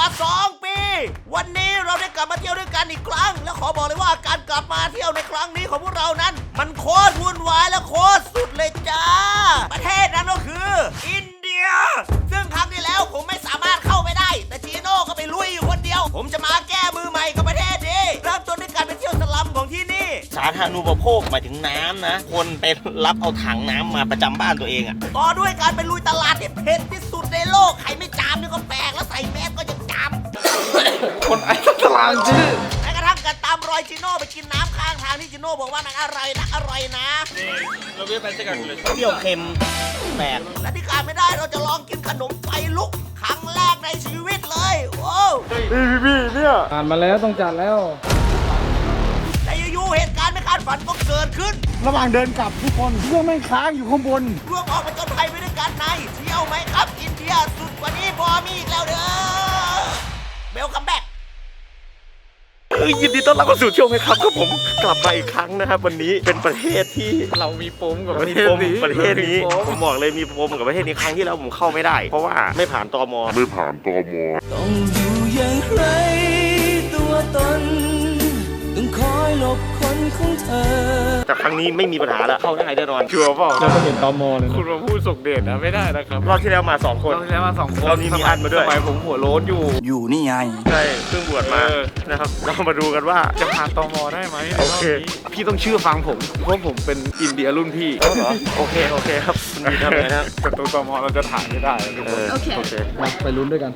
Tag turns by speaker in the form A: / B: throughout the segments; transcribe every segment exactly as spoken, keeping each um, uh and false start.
A: สองปีวันนี้เราได้กลับมาเที่ยวด้วยกันอีกครั้งและขอบอกเลยว่าการกลับมาเที่ยวในครั้งนี้ของพวกเรานั้นมันโคตรวุ่นวายและโคตรสุดเลยจ้าประเทศนั้นก็คืออินเดียซึ่งครั้งที่แล้วผมไม่สามารถเข้าไปได้แต่จีโน่ก็ไปลุยอยู่คนเดียวผมจะมาแก้มือใหม่กับประเทศนี้เริ่มต้นด้วยการไปเที่ยวสลัมของที่นี่
B: สาธารณูปโภคหมายถึงน้ำนะคนไปรับเอาถังน้ำมาประจำบ้านตัวเองอ่ะ
A: ต่อด้วยการไปลุยตลาดที่เผ็ดที่สุดในโลกใครไม่จามนี่ก็แปลกแล้วใส่แมสก็ยังจาม
B: คนไอ้ตลาดชื่อ
A: แม้กระทั่งการตามรอยจิโน่ไปกินน้ำข้างทางที่จิโน่บอกว่ามันอร่อยนะอร่อยนะ
B: เราไม่ไปสักกันเลยเปรี้ยวเค็มแปลก
A: และที่ขาดไม่ได้เราจะลองกินขนมไฟลุกครั้งแรกในชีวิตเลยโอ้
C: พี่พี่เนี่ยผ่านมาแล้วต้องจัดแล้ว
A: แต่อยู่ๆเหตุการณ์ไม่คาดฝันก็เกิดขึ้น
C: ระหว่างเดินกลับทุกคนเครื่องไม่ค้างอยู่ข้างบน
A: ร่วมออกไปจนภัยไปด้วยกันในเที่ยวไหมครับอินเดียสุดกว่านี้บอมีอีกแล้วเด้อเบลคัมแบ็ก
B: ยินดีต้อนรับเข้าสู่ช่วงไหมครับครับผมกลับมาอีกครั้งนะครับวันนี้เป็นประเทศที่
C: เรามีปมกับประเทศนี้
B: ประเทศนี้ผมบอกเลยมีปมกับประเทศนี้ครั้งที่แล้วผมเข้าไม่ได้เพราะว่าไม่ผ่านตม.
D: ไม่ผ่านตม.
E: ต้องอยู่อย่างไรตัวตนต้องคอยหลบคนของเธอ
B: แต่ครั้งนี้ไม่มีปัญหาแล้วเข้าได้แน่นอน
C: ชัวร์เปล่าเราจะเห็นตม.เลยคุณมาพูดส่งเดชนะไม่ได้นะครับ
B: รอบที่แล้วมาสองคน
C: รอบที่แล้วมาสองคน
B: รอบนี้มีอันมาด้วย
C: สมัยผมหัวโล้นอยู่
E: อยู่นี่ไง
B: ใช่เพิ่งบวชมานะครับเรามาดูกันว่า
C: จะผ่านตม.ได้ไหม
B: โอเค
C: พี่ต้องเชื่อฟังผมเพราะผมเป็นอินเดียรุ่นพี่
B: เหรอโอเคโอเคครับมีทำไงนะ
C: แต่ตัวตม.เราจะถ่ายไม่ได้
B: โอเคโอเค
C: มาไปลุ้นด้วยกัน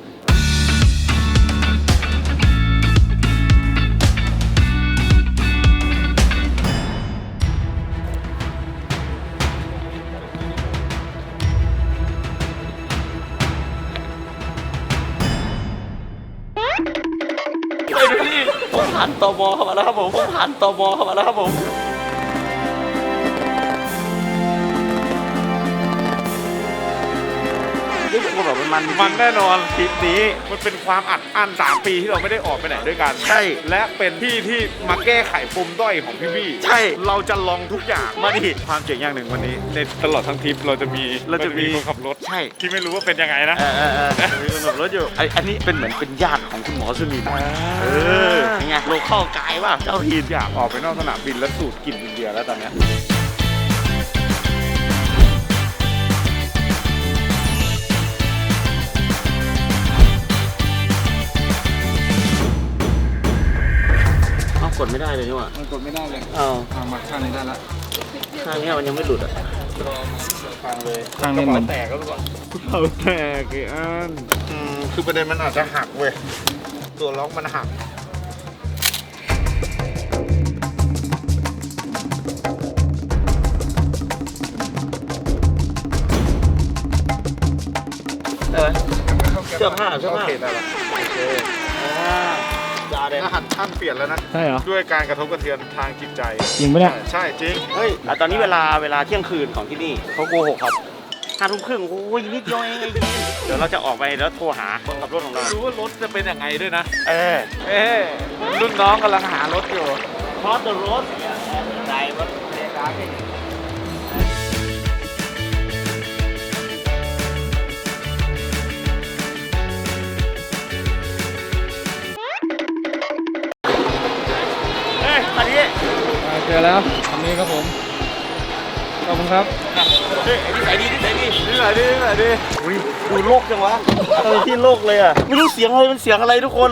B: ผมผ่านตม.เข้ามาแล้วครับผมผมผ่านตม.เข้ามาแล้วครับผมนี่ผมบอกมัน
C: มันแน่นอนทริปนี้มันเป็นความอัดอั้นสามปีที่เราไม่ได้ออกไปไหนด้วยกัน
B: ใช่
C: และเป็นที่ที่มาแก้ไขปมด้อยของพี่บี้
B: ใช่
C: เราจะลองทุกอย่างมาดิความเจ๋งอย่างหนึ่งวันนี้ในตลอดทั้งทริปเราจะมี
B: เราจะมี
C: คนขับรถ
B: ใช่
C: ที่ไม่รู้ว่าเป็นยังไงนะ
B: เออเออเออมีคนขับรถอยู่อันนี้เป็นเหมือนเป็นญาติของคุณหมอสุนินเออไงโลคอลไกด์ว่าเจ้าทีน
C: อยากออกไปนอกสนามบินแล้วสูดกลิ่นอินเดียแล้วตอนเนี้ย
B: กดไม่ได้เลยนี่หว่า
C: มันกดไม่ได้เลย
B: อ้าว
C: มาข้างนี้ได้ละ
B: ข้างนี้มันยังไม่หลุดอ่ะ
C: ข้างเลยข้างนี้มันแตกแล้วหรือเปล่าเผาแตกไอ้อัน
B: อืมคือประเด็นมันอาจจะหักเว้ยตัวล็อกมันหักเออเสื้อผ้าเสื้อผ้าโอเคได้ละโอเคอ่าร
C: หัสท่านเปลี่ยนแล้วนะ
B: ใช่เหรอ
C: ด้วยการกระทบกระเทือนทางจิตใจ
B: จริงปะเนี่ย
C: ใช่จริง
B: เฮ้ยตอนนี้เวลาเวลาเที่ยงคืนของที่นี่เขาโกหกครับห้าทุ่มครึ่งโอ้ยนิดเดียวเองเดี๋ยวเราจะออกไปแล้วโทรหาคนขับรถของเรา
C: ดูว่ารถจะเป็นยังไงด้วยนะ
B: เออ
C: เออรุ่นน้องกำลังหารถอยู่
B: พอดรถไหนรถเรียกร้านที่อันนี้
C: เจอแล้วอันนี้ครับผมขอบคุณครับ
B: เฮ้ยนี่ใส่ดีนี่ใส่ดี
C: นี่ใส่ดีนี่ใส่ดี
B: อุ้ยดูโลกจังวะเออที่โลกเลยอ่ะไม่รู้เสียงอะไรมันเสียงอะไรทุกคน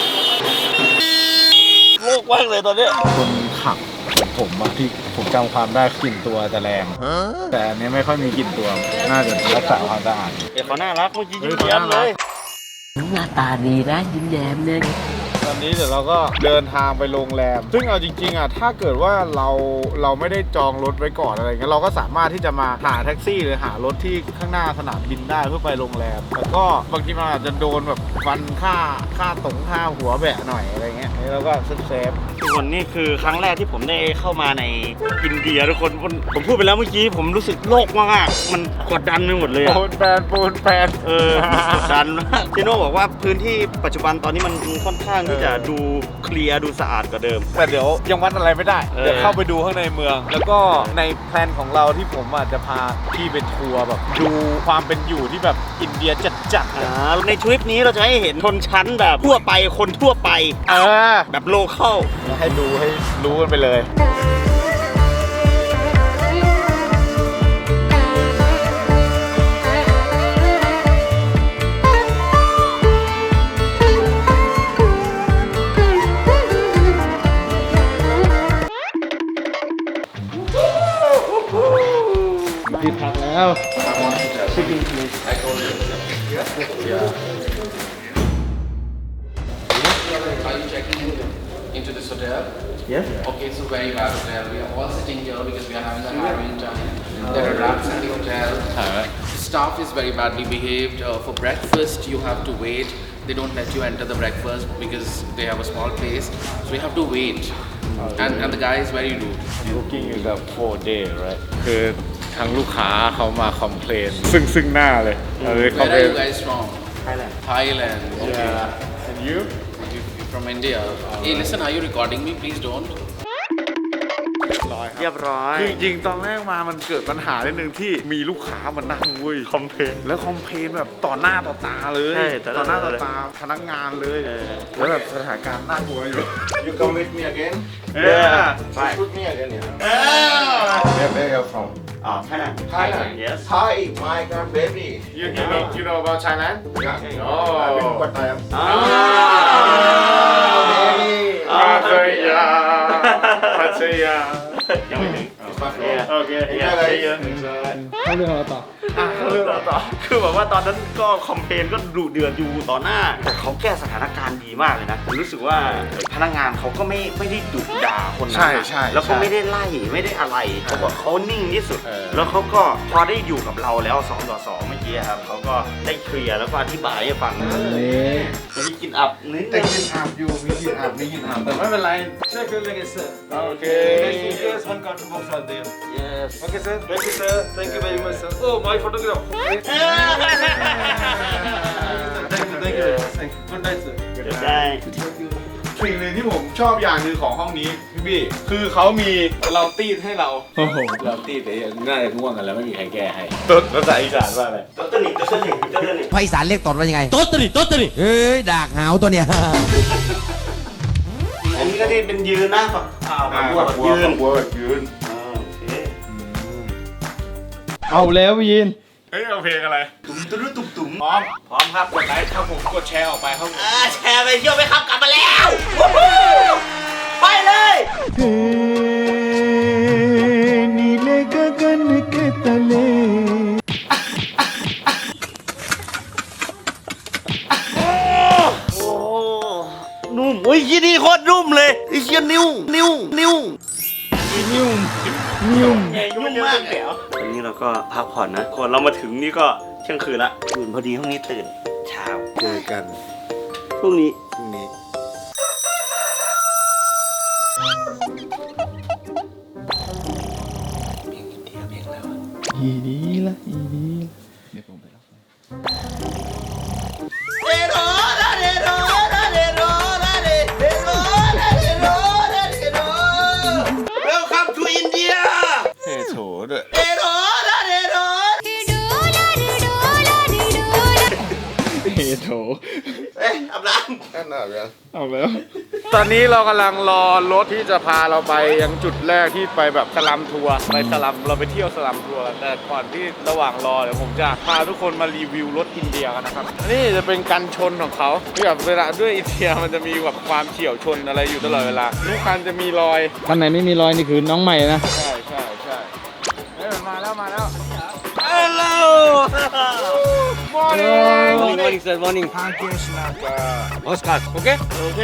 B: โลกว่างเลยตอนนี้
C: คนขับผมบางที่ผมจำความได้กลิ่นตัวจะแรงแต่อันนี้ไม่ค่อยมีกลิ่นตัวน่าจะรักษาความสะอาด
B: เดี๋ยวเขาน่ารักเมื่อกี้ยิ้มแย้มเลย
E: หน้าตาดีนะยิ้มแย้มเนี่ย
C: ตอนนี้เดี๋ยวเราก็เดินทางไปโรงแรมซึ่งเอาจริงๆอ่ะถ้าเกิดว่าเราเราไม่ได้จองรถไว้ก่อนอะไรเงี้ยเราก็สามารถที่จะมาหาแท็กซี่หรือหารถที่ข้างหน้าสนามบินได้เพื่อไปโรงแรมแล้วก็บางทีมันอาจจะโดนแบบฟันค่าค่าตรงค่าหัวแบะหน่อยอะไรเงี้ยแล้วก็เซฟ
B: ทุกคนนี่คือครั้งแรกที่ผมได้เข้ามาในอินเดียทุกคนผมพูดไปแล้วเมื่อกี้ผมรู้สึกโลกมากๆมันกดดันไปหมดเลย
C: ปูนแปนปูนแปน
B: เออกดดันมากชิโน่บอกว่าพื้นที่ปัจจุบันตอนนี้มันค่อนข้างที่จะจะดูเคลียร์ดูสะอาดกว่าเดิม
C: แต่เดี๋ยวยังวัดอะไรไม่ได้
B: เออ
C: เดี๋ยวเข้าไปดูข้างในเมือง แล้วก็ในแพลนของเราที่ผมอาจจะพาพี่ไปทัวร์แบบดูความเป็นอยู่ที่แบบอินเดียจัดๆ
B: อ่า
C: อะ
B: ในทริปนี้เราจะให้เห็นชนชั้นแบบทั่วไปคนทั่วไป
C: เออ
B: แบบโลเคอล
C: ให้ดูให้รู้กันไปเลย ผิดทางแล้ว
D: Are you checking into this hotel?
B: Yes.
D: Okay, so very bad hotel. We are all sitting here because we are having a Halloween time. There are rats in the hotel. Staff is very badly behaved. Uh, for breakfast, you have to wait. They don't let you enter the breakfast because they have a small place. So you have to wait. And, and the guy is very rude.
C: Booking is a four day right คือทางลูกค้าเขามาคอมเพลนซึ่งซึ่งหน้าเลยเออคอม
D: Where
C: เพล
D: are
C: น
D: you guys from?
B: Thailand.
D: Thailand. Okay.
C: Yeah and you
D: You, you're from India. Hey, listen, are you recording me? Please don't.
C: ร้อยค
B: เรี
C: รั
B: ย
C: บบ
B: ร้อย
C: คือจริงๆตอนแรกมามันเกิดปัญหานิดนึงที่มีลูกค้ามานั่งเว้ย
B: คอมเพลน
C: แล้วคอมเพลนแบบต่อหน้าต่อตาเลย
B: ใช่ต่อห
C: ต่อ
B: น้า
C: หน้าต่อตาพนักงานเลย
B: เออ
C: แล้วแบบสถานการณ์น่ากลัวอยู่
F: You come with me again?
C: เออ
F: Right. With me again, yeah.
C: เออ
F: Where, where you from?
B: อ่าใช่ไหม
F: Thailand.
B: Yes.
F: Hi, my God, baby.
C: you you know you know about Thailand
F: Yeah.
C: Oh.
F: I've been to Pattaya.
B: อ่า
C: พัทยาพัทยา
B: ยังไม่ถึง
F: It's my friend.
C: โอเค
F: Yeah, guys.
C: เข้าเรื่องเราต่อ
B: อ่ะเรื่องต่อคือแบบว่าตอนนั้นก็คอมเพลนก็ดุเดือดอยู่ต่อหน้า แต่เขาแก้สถานการณ์ดีมากเลยนะผมรู้สึกว่าพนักงานเขาก็ไม่ไม่ได้ดุด่าคนนั้น
C: ใช่
B: อะ
C: ใช่
B: แล้วก็
C: ใช่
B: ไม่ได้ไล่ไม่ได้อะไรเขาบอกเขานิ่งที่สุด
C: เออ
B: แล้วเขาก็พอได้อยู่กับเราแล้วสองต่อสองเมื่อกี้ครับเขาก็ได้เคลียร์แล้วก็อธิบายให้ฟังจะมีกลินอับนิด
F: แต่
B: นึง
F: กินอาบอยู่มีกินอาบไม่กินอาบแต่ไม่เป็นไร
C: โอเค
B: yes
C: Okay sir Thank you sir Thank you very much sir Oh my photograph Thank you Thank you Good night sir
B: เดี๋ยวได้
C: สิ่งหนึ่งที่ผมชอบอย่างหนึ่งของห้องนี้พี่บี้คือเขามีเราตีดให้เราโอ้โหเราตีดแต่ยังน่าจะง่วงกันแล้วไม่มีใครแก้ให้ต้นภาษาอีสานว่าอะไร
B: ตัวตนิตัวตนิตัวตนิ
G: ภาคอีสานเรียกตดว่ายังไงตดตริตดตริเอ้ยดากหาวตัวเนี้ย
B: อันนี้ก็ที่เป็นยืนนะฝักอ่าฝักบัวแบบยืน
C: บัวแบบยืน
B: อ่าโอเค
H: เอาแล้วยิน
C: เฮ้ยเอาเพลงอะไร
B: ตุ้มตุ้มตุ้มตุ้ม
C: พร้อมพร้อมครับกดไลค์ครับผมกดแชร์ออกไปครับผม
B: อ่าแชร์ไปเที่ยวไปครับกลับมาแล้ววู้ฮู้ไปเลย
H: नीले गगन के तले
B: โอ้นุ่มโอ้ยยี่นี่โคตรนุ่มเลยไอ้เชี่ยนิ้วนิ้วนิ้ว
H: นิ่ม
B: นุ่มมากเลยวันนี้เราก็พักผ่อนนะก่อนเรามาถึงนี่ก็เที่ยงคืนละตื่นพอดีห้องนี้ตื่นเช้า
F: เจอกัน
B: พรุ่งนี้
F: พรุ่งนี้
H: อีดีละอีดีละเดี๋ยวผมไปรับ
B: เดโรลาเดโรลาเดโรลาเดเดโรลาเดโรลาเดโร Welcome to India
C: เท่โถด้วย
B: เดโรลาเดโร
H: เฮ้โถ
B: เอ๊ะอาบน้
F: นั่นน่ะเรียน
H: เอาแล้ว
C: ตอนนี้เรากำลังรอรถที่จะพาเราไปยังจุดแรกที่ไปแบบสลัมทัวร์ไปสลัมเราไปเที่ยวสลัมทัวร์กันแต่ก่อนที่ระหว่างรอเดี๋ยวผมจะพาทุกคนมารีวิวรถอินเดียกันนะครับนี่จะเป็นกันชนของเขาที่แบบเวลาด้วยอินเดียมันจะมีแบบความเฉี่ยวชนอะไรอยู่ตลอดเวลาทุกคันจะมีรอย
H: คันไหนไม่มีรอยนี่คือน้องใหม่นะ
C: ใช่ใช่ใช่เฮ้ยมันมาแล้วมาแล้ว
B: ำ Hello
C: Morning
H: morning sir morning Oscar okay
B: โอเค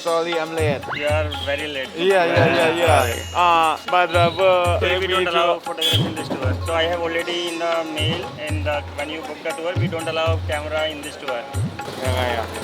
C: sorry I'm late
H: You are very late.
C: yeah yeah yeah yeah uh but uh,
H: Today we
C: we
H: don't
C: to-
H: allow photographs in this tour. So I have already in the mail and the, when you book the tour, we don't allow camera in this tour.
C: ยังไงอ่ะ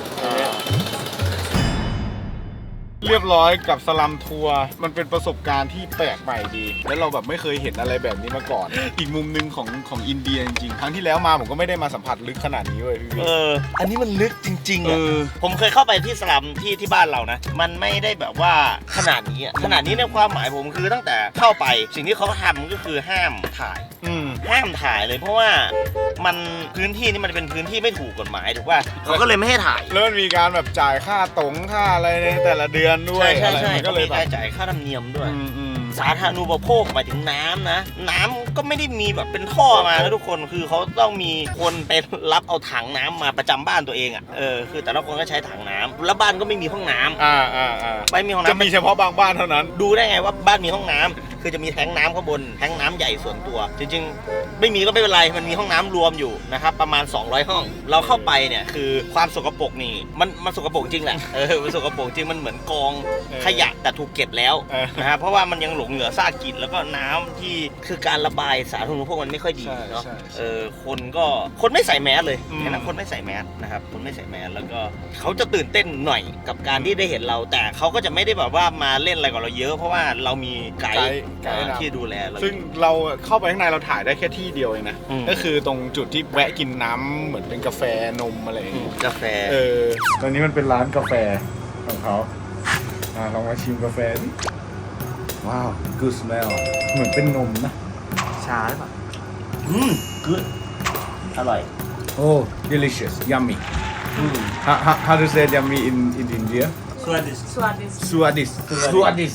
C: เรียบร้อยกับสลัมทัวร์มันเป็นประสบการณ์ที่แปลกใหม่ดี แล้วเราแบบไม่เคยเห็นอะไรแบบนี้มาก่อน อีกมุมหนึงของของอินเดียจริงๆครั้งที่แล้วมาผมก็ไม่ได้มาสัมผัสลึกขนาดนี้เว้ยพี่
A: เออ อันนี้มันลึกจริงๆ
C: เอ
A: อ่ะ
C: อ
A: ผมเคยเข้าไปที่สลัมที่ที่บ้านเรานะ มันไม่ได้แบบว่าขนาดนี้อ่ะ ขนาดนี้ในความหมายผมคือตั้งแต่เข้าไปสิ่งที่เขาทำก็คือห้ามถ่าย
C: อืม
A: ห้ามถ่ายเลยเพราะว่ามันพื้นที่นี่มันเป็นพื้นที่ไม่ถูกกฎหมายถูกป่ะเขาก็เลยไม่ให้ถ่าย
C: แล้วมันมีการแบบจ่ายค่าตรงค่าอะไรในแต่ละเดือนด้วย
A: ใช่
C: อะไร
A: ใช่
C: มันก็
A: ก็
C: เล
A: เลย ย
C: แบบ
A: จ่ายค่าธรรมเนียมด้วย
C: อืมอืม
A: สาธารณูปโภคหมายถึงน้ำนะ น้ำก็ไม่ได้มีแบบเป็นท่อมาแล้วทุกคนคือเขาต้องมีคนไปรับเอาถังน้ำมาประจำบ้านตัวเองอ่ะเออคือแต่ละคนก็ใช้ถังน้ำแล้วบ้านก็ไม่มีห้องน้ำ
C: อ่าอ่าอ่า
A: ไม่มีห้อง
C: จะ
A: น้ำ
C: มีเฉพาะบางบ้านเท่านั้น
A: ดูได้ไงว่าบ้านมีห้องน้ำคือจะมีแท้งน้ำข้างบนแท้งน้ำใหญ่ส่วนตัว จริงๆ ไม่มีก็ไม่เป็นไรมันมีห้องน้ำรวมอยู่นะครับประมาณสองร้อยห้อง เราเข้าไปเนี่ยคือความสกปรกนี่มันมันสกปรกจริงแหละเออมันสกปรกจริงมันเหมือนกอง
C: เออ
A: ขยะแต่ถูกเก็บแล้ว
C: เออ
A: นะครับเพราะว่ามันยังหลงเหลือซากกลิ่นแล้วก็น้ำที่คือการระบายสาธารณูปโภคมันไม่ค่อยดี
C: ใช่
A: เนาะ
C: ใช่
A: เออคนก็คนไม่ใส่แมสเลย
C: อืม
A: แค่นั้นคนไม่ใส่แมสนะครับคนไม่ใส่แมสแล้วก็เขาจะตื่นเต้นหน่อยกับการที่ได้เห็นเรา แต่เขาก็จะไม่ได้แบบว่ามาเล่นอะไรกับเราเยอะ เพราะว่าเรามีไกด์
C: ไกด์ไกด์นำ
A: ที่ดูแลเรา
C: ซึ่งเราเข้าไปข้างในเราถ่ายได้แค่ที่เดียวเองนะ
A: อืม
C: ก็คือตรงจุดที่แวะกินน้ำเหมือนเป็นกาแฟนมอะไรอย่าง
A: อืม
C: เงี้ย
A: กาแฟ
C: เออตอนนี้มันเป็นร้านกาแฟของเขาอ่าลองมาชิมกาแฟดิว้าว good smell เหมือนเป็นนมนะ ชาหรือเปล่า
A: อืมคืออร่อย
C: oh delicious yummy how how how to say yummy in in India
H: Swadis.
C: Swadis Swadis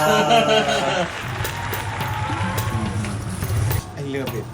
C: I love it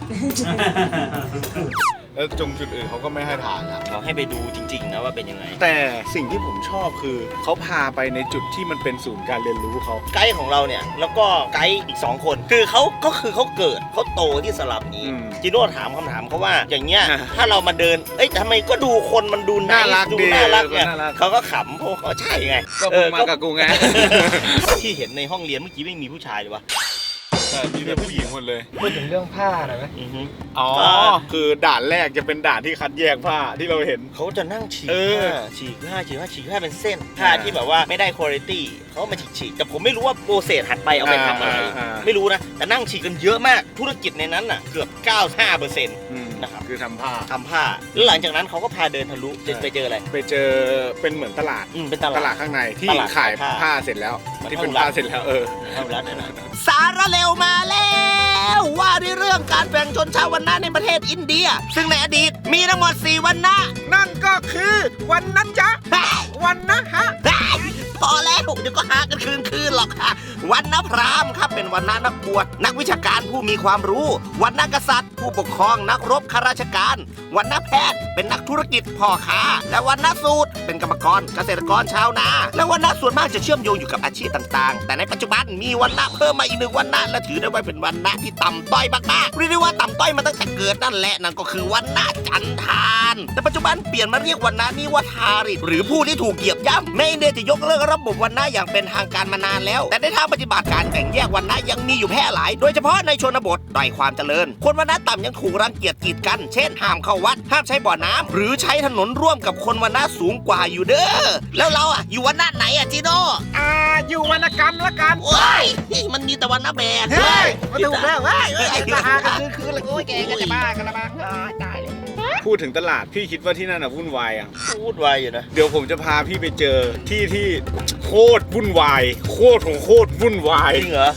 C: แล้วจงจุดอื่นเขาก็ไม่ให้ถ่ายอ่ะ
A: เขาให้ไปดูจริงๆนะว่าเป็นยังไง
C: แต่สิ่งที่ผมชอบคือเขาพาไปในจุดที่มันเป็นศูนย์การเรียนรู้เขา
A: ไกด์ของเราเนี่ยแล้วก็ไกด์อีกสองคน คือเขาก็คือเขาเกิดเขาโตที่สลับนี้
C: อืม
A: จิโร่ถามคำถามเขาว่าอย่างเงี้ย
C: อ่ะ
A: ถ้าเรามาเดินเอ้ยทำไมก็ดูคนมันดู
C: น่ารัก
A: ดู
C: ดี
A: น่ารักเนี่ย
C: น่ารัก
A: เขาก็ขำเพราะเขาใช่ไง
C: ก็มึงมากับกูไง
A: ที่เห็นในห้องเรียนเมื่อกี้ไม่มีผู้ชายเลยวะ
C: แต่มีแต่ผู้หญิงหมดเลย
F: พูดถึงเรื่องผ้าหน่อยไหม
A: อือฮึ
C: อ๋อ คือด่านแรกจะเป็นด่านที่คัดแยกผ้าที่เราเห็น
A: เขาจะนั่งฉีก
C: เออ
A: ผ้าฉีกผ้าฉีกผ้าฉีกผ้าเป็นเส้นผ้าที่แบบว่าไม่ได้คุณภาพเขาเอามาฉีกฉีกแต่ผมไม่รู้ว่าโปรเซสถัดไปเอาไปทำอะไร
C: อ่าอ่า
A: ไม่รู้นะแต่นั่งฉีกกันเยอะมากธุรกิจในนั้นน่ะเกือบ เก้าสิบห้าเปอร์เซ็นต์
C: อืม
A: นะครับ
C: คือทำผ้า
A: ทำผ้าแล้วหลังจากนั้นเขาก็พาเดินทะลุจะไปเจออะไร
C: ไปเจอเป็นเหมือนตลาด
A: อืมเป็นต
C: ต
A: ลา
C: ลา
A: ด
C: ดข้างในที่
A: ตลาด
C: ขาย
A: ขายผ้า
C: ผ้าเสร็จแล้ว
A: เหมือน
C: ที่เป็น
A: เท่า
C: ผ้า
A: ร้าน
C: เสร็จแล้วเออ
A: เข้าร้านนั่นนะสาระเลวมาแล้วว่าด้วยเรื่องการแบ่งชนชาติวรรณะในประเทศอินเดีย ซึ่งในอดีตมีทั้งหมดสี่วรรณะนั่นก็คือวันนะจ๊ะวันนะฮะพอแล้วเดี๋ยวก็หากันคืนคืนหรอกค่ะวันนะพราหมณ์ครับเป็นวันนะนักบวชนักวิชาการผู้มีความรู้วันนะกษัตริย์ ผู้ปกครองนักรบข้าราชการวันนะแพทย์เป็นนักธุรกิจพ่อค้าและวันนะสูตรเป็นกรรมกรเกษตรกรชาวนาและวันนะส่วนมากจะเชื่อมโยงอยู่กับอาชีพต่างๆ แต่ในปัจจุบันมีวันนะเพิ่มมาอีกหนึ่งวันนะและถือได้ว่าเป็นวันนะที่ต่ำต้อยมากๆเรียกได้ว่าต่ำต้อยมาตั้งแต่เกิดนั่นแหละนั่นก็คือวันนะจันทานแต่ปัจจุบันเปลี่ยนมาเรียกวันนะนี้ว่าทาริตหรือผู้ที่ถูกเหยียบย่ำแม้อินเดียจะยกเลิกระบบวันนะอย่างเป็นทางการมานานแล้ว แต่ในทางปฏิบัติการแบ่งแยกวันนะยังมีอยู่แพร่หลาย โดยเฉพาะในชนบทด้อยความเจริญ คนวันนะต่ำยังถูกรังเกียจกีดกัน เช่นห้ามเข้าวัดห้ามใช้บ่อน้ำหรือใช้ถนนร่วมกับคนวันนะสูงกว่าอยู่เด้อแล้วเราอ่ะอยู่วันนะไหนอ่ะจีโน่อ่าอยู่วันนะกันละกันโอ้ยมันมีแต่วันนะแบนเฮ้ยมาถูกแล้วเฮ้ยจะหากันคืนคืนเลยโอ้ยแกก็จะบ้ากันละบ้างตายเลย
C: พูดถึงตลาดพี่คิดว่าที่นั่นอ่ะวุ่นวายอ่ะ
A: พูดไวอยู่นะ
C: เดี๋ยวผมจะพาพี่ไปเจอที่ที่โคตรวุ่นวาย โคตรของโคตรวุ่นวาย
A: จริงเหรอ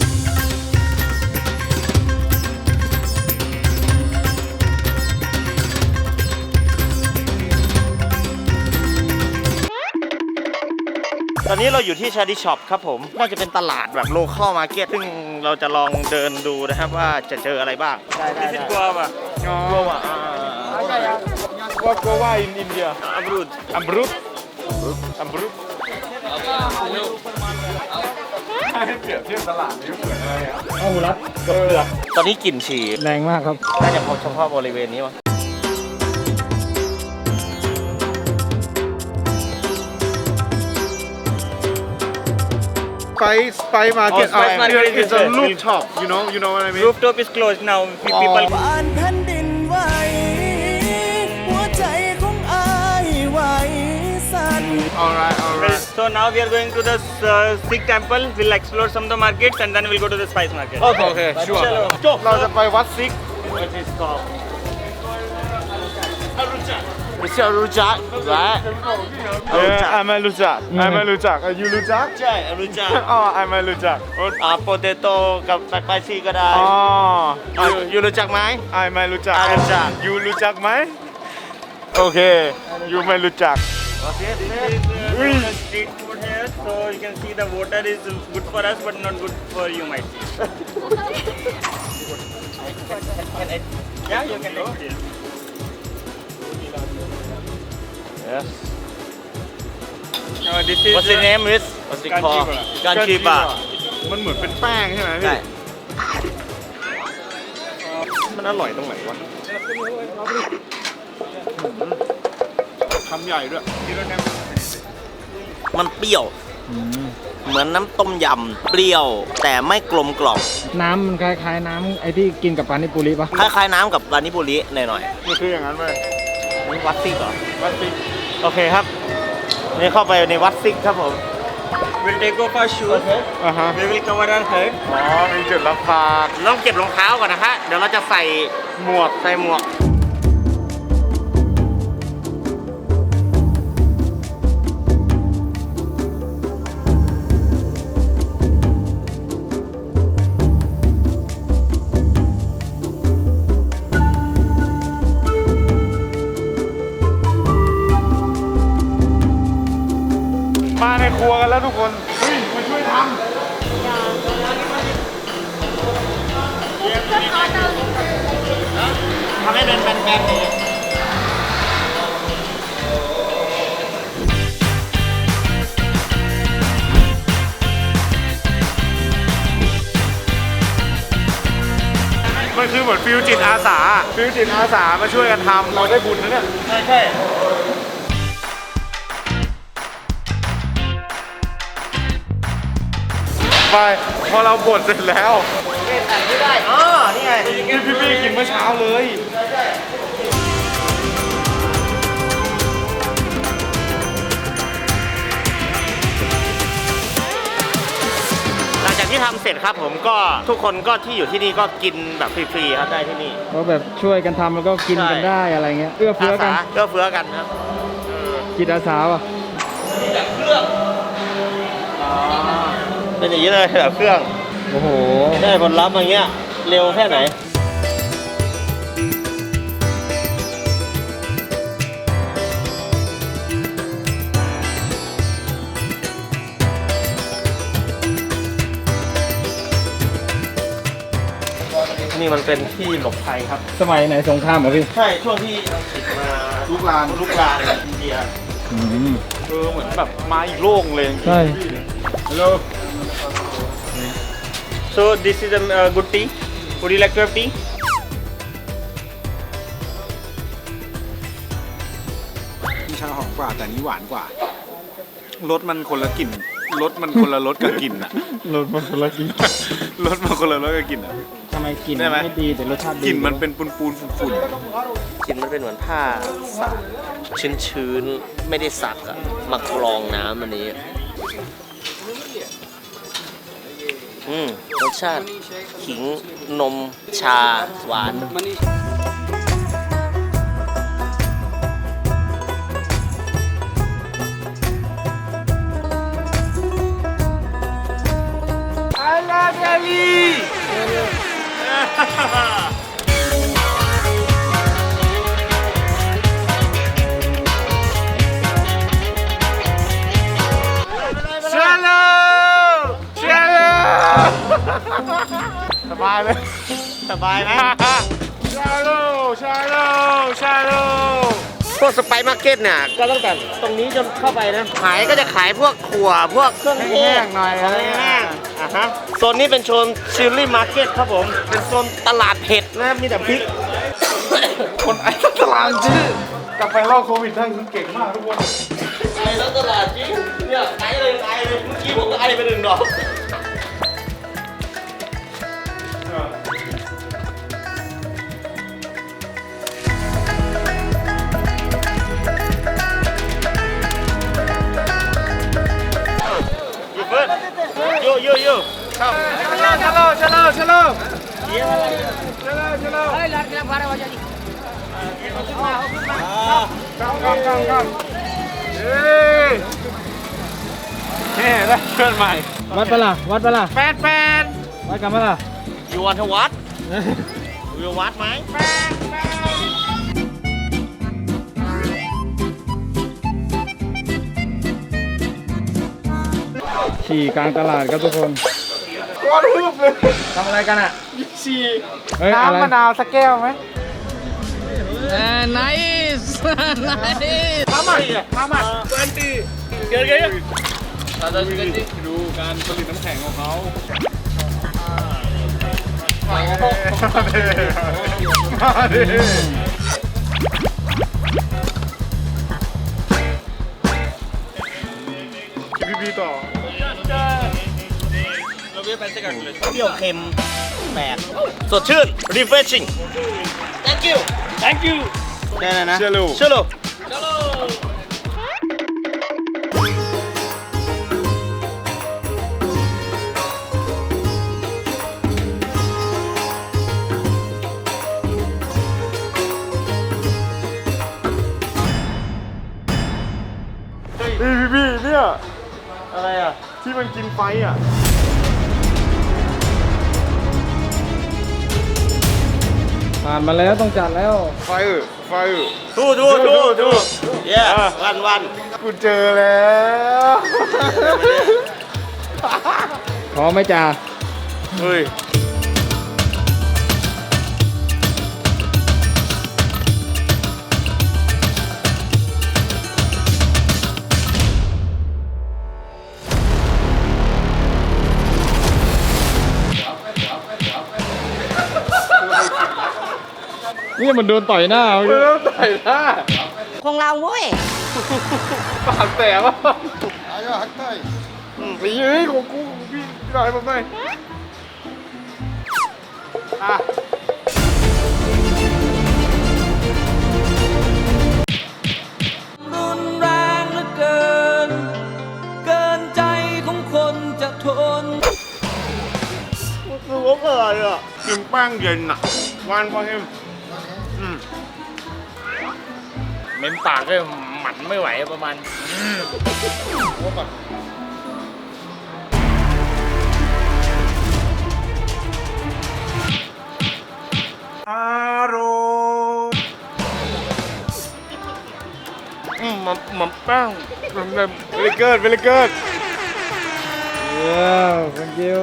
A: ตอนนี้เราอยู่ที่ชาดิช็อปครับผม น่าจะเป็นตลาดแบบโลคอลมาร์เก็ตซึ่งเราจะลองเดินดูนะครับว่าจะเจออะไรบ้าง
H: This is guava.
C: กัวว่ากัวว่าอินอินเดีย
A: อัมรูด
C: อัมบรุตอัมบรุตให้เปรียบเทียบตลาดนี้เหมือนอะไรอ่ะ
H: เอารัด
C: เกือบ
A: ตอนนี้กลิ่นฉี่
H: แรงมากครับ
A: น่าจะพบเฉพาะบริเวณนี้มั้ง
C: Spice Spice Market
H: Oh, Spice
C: uh,
H: Market is
C: it's a
H: there.
C: rooftop you know you know what I mean
H: Rooftop is closed now. Pe- People
E: บ้านแผ่นดินไหวหัวใจของอายไหวสั่น
C: alright alright
H: So now we are going to the uh, Sikh temple. We'll explore some of the markets and then we'll go to the spice market.
C: okay okay sure จบเราจะไปวัดซิก
H: What is called?
B: ไม่ใช่รู้จักไร
C: เออไอ้ไม่รู้จักไอ้ไม่รู้จักยูรู้จัก
B: ใช่รู้จัก
C: อ๋อไอ้ไม่รู้จัก
B: อ่าโปเตโต้กับสไปซี่ก็ได้
C: อ๋อ
B: ยูยูรู้จักไหม
C: ไอ้ไม่รู้จัก
B: ไอ้รู้จัก
C: ยูรู้จักไหมโอเคยูไม่รู้จัก
H: This is uh, the street food here. So you can see the water is good for us but not good for you might see. Yeah, you can take it.
B: Yes
H: Uh, this is
B: What's the
H: uh,
B: name is What's it called การชีปะ
C: มันเหมือนเป็นแป้งใช่ไหม
B: ใช่
C: พี่มันอร่อยตรงไหนวะคำใหญ่ด้วย
A: มันเปรี้ยว เหมือนน้ำต้มยำเปรี้ยว แต่ไม่กลมกล่อม
I: น้ำมันคล้ายๆน้ำไอ้ที่กินกับปานิปุริปะ
A: คล้ายๆน้ำกับรานิบุริหน่อย
C: มันคืออย่างนั้นเว้ย
A: ๆนี่วัดซิกเหรอ
C: วัดซิก
B: โอเคครับ นี่เข้าไปในวัดซิกครับผม
H: We'll take off our shoes.
C: อ่าฮะ
H: We will cover our head.
C: อ๋อมีจุดรับฝาก
B: ต้องเก็บรองเท้าก่อนนะฮะ เดี๋ยวเราจะใส่หมวกใส่หมวก
C: มาในครัวกันแล้วทุกคนเฮ้ยมาช่วยท
B: ทำให้เป็นแบนๆเลย
C: ำมันคือเหมือนฟิวจิตอาสาฟิวจิตอาสามาช่วยกันทำเราได้บุญนะเนี่ย
B: ใช่ใช่
C: ไปพอเราบดเสร็จแล้ว
B: แต่ไม่ได้ อ๋อ นี่ไง
C: นี่พี่พี่กินเมื่อเช้าเลย
B: หลังจากที่ทำเสร็จครับผมก็ทุกคนก็ที่อยู่ที่นี่ก็กินแบบฟรีๆครับได้ที่นี่
I: ก็แบบช่วยกันทำแล้วก็กินกันได้อะไรเงี้ยเอื้อเฟื้อกัน
B: าสาเอื้อเฟื้อกันครับ
I: จิตอาสาป่ะ
B: เป็นอย่างนี้เลยแบบเครื่อง
I: โอ้โห
B: ได้ผลลัพธ์อย่างเงี้ย เร็วแค่ไหน นี่มันเป็นที่หลบภัยครับ
I: สมัยไหนสงครามเหรอพี่
B: ใช่ ช่วงที่อังกฤษมา
C: ลูกลาน
B: ลุกลานอินเดีย
I: อืม
C: เออเหมือนแบบมาอีกโลกเลย
I: ใช่
C: ฮัลโหล
H: So this is a uh, good tea. Would you like to have tea?
C: นี่ชาหอมกว่าแต่นี้หวานกว่า รสมันคนละกลิ่น รสมันคนละรสกับกลิ่นอะ
I: รสมันคนละกิน
C: รสมันคนละรสกับกลิ่นอะ
I: ทำไมกลิ่น
C: ได้ไหม
I: ไม่ดีแต่รสชาติดี
C: กลิ่นมันเป็นปูนปูนๆฝุ่น
A: กลิ่นมันเป็นเหมือนผ้าสักชื้นๆ ไม่ได้สักอะมากรองน้ำอันนี้ อืมรสชาติขิงนมชาหวาน
C: ๆชาโลชาโลสบายเลย
B: สบายไหม
C: ชาโลชาโลชาโล
B: พวกสไปซ์มาร์เก็ตเนี่ยก็ตั้งแต่ตรงนี้จนเข้าไปนะ ขายก็จะขายพวกถั่วพวกเครื่องเทศ
C: แห้งๆหน่อยอะไร
B: แห้งๆอ่ะฮะโซนนี้เป็นโซนชิลลี่มาร์เก็ตครับผม เป็นโซนตลาดเผ็ดนะครับมีแต่พริก
C: คนไอ้ตลาดชื่อกลับไปเล่าโควิดได้คือเก่งมากทุกคน
A: ไอ้แล้วตลาดจริงเนี่ยไอ้เลยไอ้เลยเมื่อกี้ผมก็ไอ้ไปหนึ่งดอก
B: โยโย่ครับ
C: चलो चलो चलो come come come come เฮ้ยนี่ได้เพื่อนใหม่
I: วัดปะล่ะวัดปะล่ะ
C: แฟนแฟน
I: วัดกันปะล่ะ
B: อยู่วันทวัดอยู่วัดไหม
I: ฉี่กลางตลาดครับทุกคน
C: ก้อนรูปเลย
I: ทำอะไรกันอ่ะ
C: ชี
I: เฮ้ยอะไร
C: น้ำมะนาวสักแก้วไหม
I: nice nice
C: ทำไมอ่ะทำไม
B: เกินเกิน
C: ดูการผลิตน้ำแข็งของเขามาดิคิดพี่ๆต่อ
B: เปรี้ยวเค็มแปลกสดชื่น refreshing thank you thank you ได้แล้วนะ
C: เชื่อลูก
B: เชื่อลูก
C: เฮ้ยพี่ๆเนี่ย
B: อะไรอ่ะ
C: ที่มันกินไฟอ่ะ
I: ผ่านมาแล้วต้องจัดแล้ว
C: ไฟเออไฟเออ
B: ทูทูทูทูเย้วันวัน
C: กูเจอแล้ว
I: พร้อมไหมจ่า
C: เฮ้ย
I: นี่มันโดนต่อยหน้า
C: มึงต้องใส่หน้า
J: ของเราเว้ย
C: ปากแตกวะอายุหักใต้ไปยื้อของกูของพี่พี่หน่อยผมหน่อยอ่ะ
E: รุนแรงเหลือเกิน เกินใจของคนจะทน
C: คือว่าอะไรอ่ะกินแป้งเย็นอ่ะวันพอเห็นอืม
I: เม้มปากเลยหมันไม่ไหวประมาณ
C: อารมณ์อืมมันมันแป้งมันแบบเวลิเกิดเวลิเกิด
I: ว้าว thank you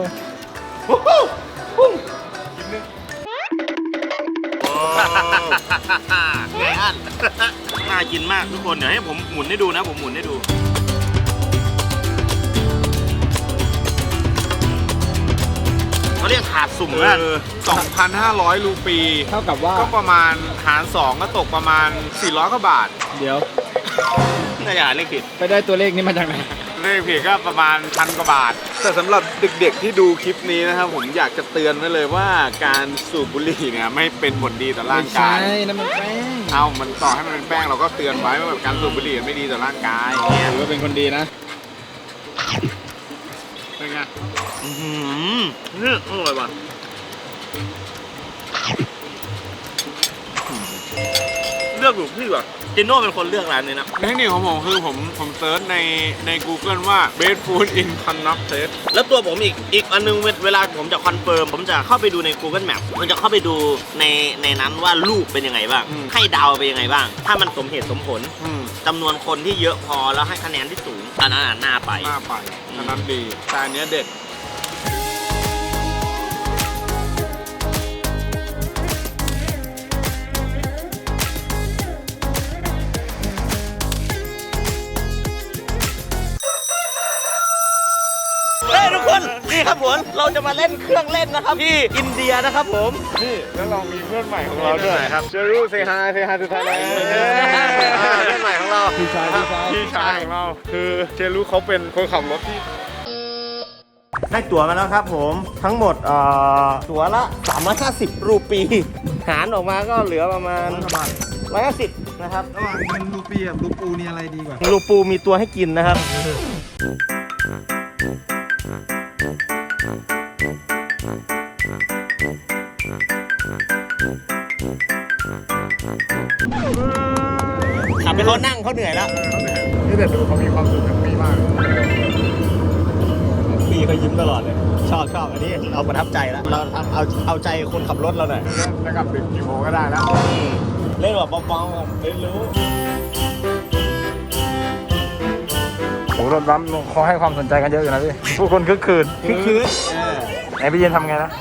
B: ไงอันน่ากินมากทุกคน เดี๋ยวให้ผมหมุนให้ดูนะ ผมหมุนให้ดู เขาเรียกถาดสุ่มนะ
C: สองพันห้าร้อยรูปี
I: เท่ากับว่า
C: ก็ประมาณหารสองก็ตกประมาณสี่ร้อยกว่าบาท
I: เดี๋ยว
B: น่าจะอ่านเลขผิด
I: ไปได้ตัวเลขนี้มาจากไหน
C: เลขผิดก็ประมาณพันกว่าบาท แต่สำหรับเด็กๆที่ดูคลิปนี้นะครับผมอยากจะเตือนไว้เลยว่าการสูบบุหรี่เนี่ยไม่เป็นผลดีต่อร่างกาย
I: นั่นมันแป้ง
C: เอามันต่อให้มันเป็นแป้งเราก็เตือนไว้ว่าแบบการสูบบุหรี่มันไม่ดีต่อร่างกายเนี่ย
I: ถือว่าเป็นคนดีนะ
C: เป็นไง
B: อืมนี่อร่อยว่ะเลือกอยู่พี่ว่ะจิโน่เป็นคนเลือกร้านนี้นะ
C: เทคนิคของผมคือผมผมเซิร์ชในใน Google ว่า best food in Phnom Penh
B: แล้วตัวผมอีกอีกอันนึงเวลาผมจะคอนเฟิร์มผมจะเข้าไปดูใน Google Map ผมจะเข้าไปดูในในนั้นว่ารูปเป็นยังไงบ้าง ให้เดาเป็นยังไงบ้าง ถ้ามันสมเหตุสมผล
C: อืม
B: จำนวนคนที่เยอะพอแล้วให้คะแนนที่สูงอันนั้นอ่ะน่าไป
C: หน้าไปอันนั้นดีแต่อันเนี้ยเด็ด
B: เฮ้ยทุกคนนี่ครับผมเราจะมาเล่นเครื่องเล่นนะครับที่อินเดียนะครับผม
C: นี่แล้วเรามีเพื่อนใหม่ของเราด้วยครับเชรูเซฮายเซฮายสุดท้ายแล้ว
B: เพื่อนใหม่ของเรา
I: พี่ชายพี่ชาย
C: พี่ชายของเราคือเชรูเขาเป็นคนขับรถที่
B: ได้ตั๋วมาแล้วครับผมทั้งหมดเอ่อตั๋วละสามร้อยห้าสิบรูปี หารออกมาก็เหลือประมาณหนึ่งร้อยห้าสิบนะครับ
F: ระหว่างเงินรูปีกับรูปูนี่อะไรดีกว่า
B: รูปูมีตัวให้กินนะครับ
A: ขับไปเขานั่งเขาเหนื่อยแล้ว
C: นี่แต่ดูเขามีความสุขแฮปปี้มาก
A: พี่เขายิ้มตลอดเลย ชอบชอบอันนี้เราประทับใจแล้ว เราทำเอาเอาใจคนขับรถเราหน่อย
C: จะกลับดึกกี่โมงก็ได้แล้ว
A: เล่นแบบเบาๆเล่นรู้
I: โหรถบัมป์เขาให้ความสนใจกันเยอะอยู่นะพี่ ผู้คนคึกคืน
A: คือคืน
I: ไหนพี่เย็นทำไงนะ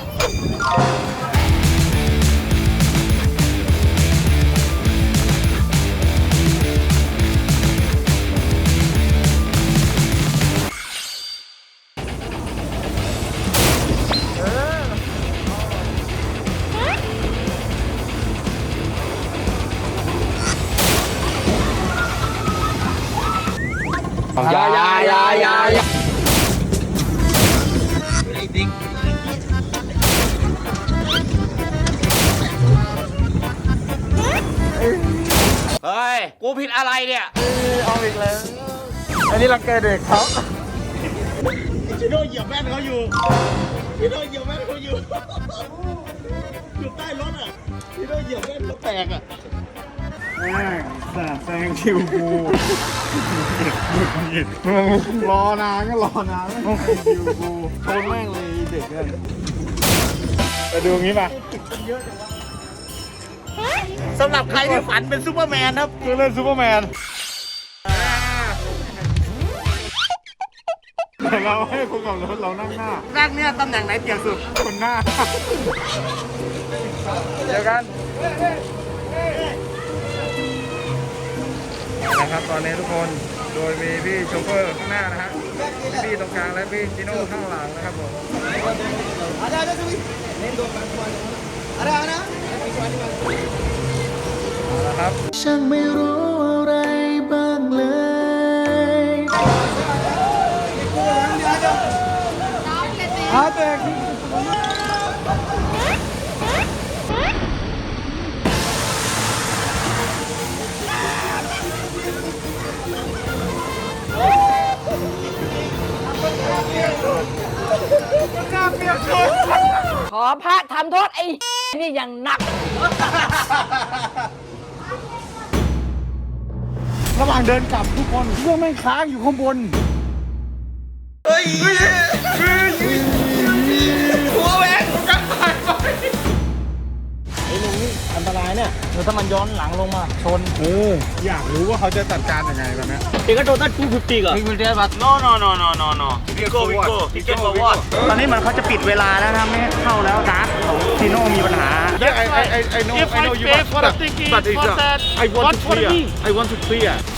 G: อย่าอย่าอย่าอย่าอย่า
A: เฮ้ย กูผิดอะไรเนี่ย
C: เอาอีกแล้ว อันนี้รังแกเด็กเขา
A: ชิโน่เหยียบแว่นเขาอยู่ชิโน่เหยียบแว่นเขาอยู่ อยู่ใต้รถอ่ะชิโน่เหยียบแว่นเขาแตกอ่ะ
C: แม่งสาแซงคิวกูรอนานก็รอนานไม่คิวกูชนแม่งเลยเด็กเนี่ยไปดูงี้ป่ะ
A: สำหรับใครที่ฝันเป็นซูเปอร์แมนครับ
C: คือเล่นซูเปอร์แมนแต่เราให้คนขับรถเรานั่งหน้า
A: นั่งเนี่ยตำแหน่งไหนเปียกสุด
C: คนหน้า
I: เจอกันนะครับตอนนี้ทุกคนโดยมีพี่โชเฟอร์ข้างหน้านะฮะพี่ตรงกลางและพี่จิโน่ข้างหลังนะครับผมนะครับ
E: ช่างไม่รู้อะไรบ้างเลย
C: อาเด็ก
J: ขอพระทำโทษไอ้ นี่อย่างหนัก
C: ระหว่างเดินกลับทุกคนเครื่องแม่งค้างอยู่ข้างบน
A: ไอ้ลุงนี่อันตรายเนี่ยเดี๋ยวถ้ามันย้อนหลังลงมาชน
C: เออ อยากรู้ว่าเขาจะจัดการยังไงแบบเนี้ย
A: เอกโดนตั้งทูฟิฟตี้ก่อน
B: no no no no no no วิโก้วิโก้วิโก้ฟอร์วอร์ดตอนนี้มันเขาจะปิดเวลาแล้วนะไม่ให้เข้าแล้วการ์ดของซีโน่มีปัญหา
C: Yeah, I, I, I, I know, I know you, but, but, but it's, uh, I want to clear. I want to clear.